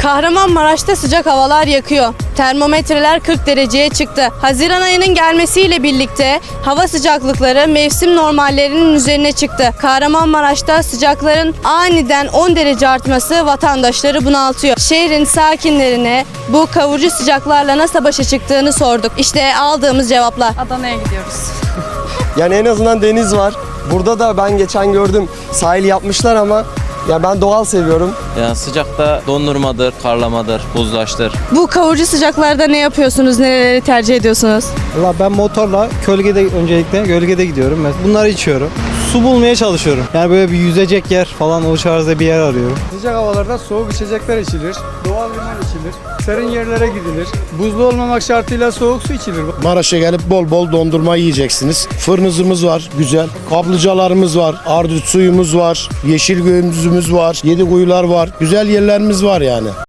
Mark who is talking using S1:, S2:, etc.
S1: Kahramanmaraş'ta sıcak havalar yakıyor. Termometreler 40 dereceye çıktı. Haziran ayının gelmesiyle birlikte hava sıcaklıkları mevsim normallerinin üzerine çıktı. Kahramanmaraş'ta sıcakların aniden 10 derece artması vatandaşları bunaltıyor. Şehrin sakinlerine bu kavurucu sıcaklarla nasıl başa çıktığını sorduk. İşte aldığımız cevaplar.
S2: Adana'ya gidiyoruz.
S3: Yani en azından deniz var. Burada da ben geçen gördüm sahil yapmışlar ama ya ben doğal seviyorum.
S4: Ya sıcakta dondurmadır, karlamadır, buzlaştır.
S1: Bu kavurucu sıcaklarda ne yapıyorsunuz? Nereleri tercih ediyorsunuz?
S5: Valla ben motorla öncelikle gölgede gidiyorum. Bunları içiyorum. Su bulmaya çalışıyorum. Yani böyle bir yüzecek yer falan o tarzda bir yer arıyorum.
S6: Sıcak havalarda soğuk içecekler içilir, doğal limon içilir, serin yerlere gidilir. Buzlu olmamak şartıyla soğuk su içilir.
S7: Maraş'a gelip bol bol dondurma yiyeceksiniz. Fırınızımız var güzel. Kaplıcalarımız var. Ardıç suyumuz var. Yeşil göğümüzümüz var. Yedi kuyular var. Güzel yerlerimiz var yani.